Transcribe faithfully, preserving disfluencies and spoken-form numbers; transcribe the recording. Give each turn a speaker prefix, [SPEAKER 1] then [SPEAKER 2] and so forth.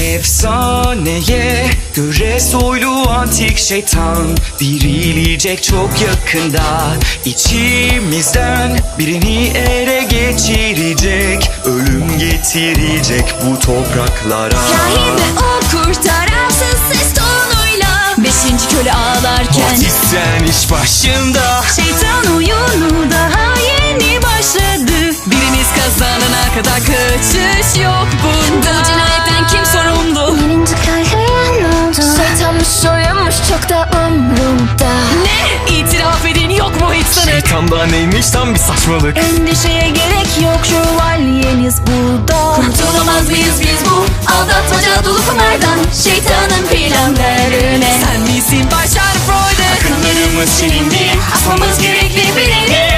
[SPEAKER 1] Efsaneye göre soylu antik şeytan dirilecek çok yakında. İçimizden birini ele geçirecek, ölüm getirecek bu topraklara.
[SPEAKER 2] Rahibe o kurtaransız ses tonuyla beşinci köle ağlarken
[SPEAKER 1] Batisten iş başında.
[SPEAKER 2] şeytan oyunu daha yeni başladı. Birimiz kazanana kadar kaçış yok bunda. Bu cinayetten kim sorumlu?
[SPEAKER 3] Birinci kahraman oldu. Şeytanmış soyunmuş çok da umrumda.
[SPEAKER 2] Ne? İtiraf edin yok mu hiç sanık?
[SPEAKER 1] Şeytanda neymiş tam bir saçmalık.
[SPEAKER 2] Endişeye gerek yok, şövalyeniz burada. Kurtulamaz mıyız biz bu aldatmaca dolu kumardan? Şeytanın planlarına sen misin başar Freud'u?
[SPEAKER 1] Akıllarımız silindi,
[SPEAKER 2] Asmamız gerekli bir eli.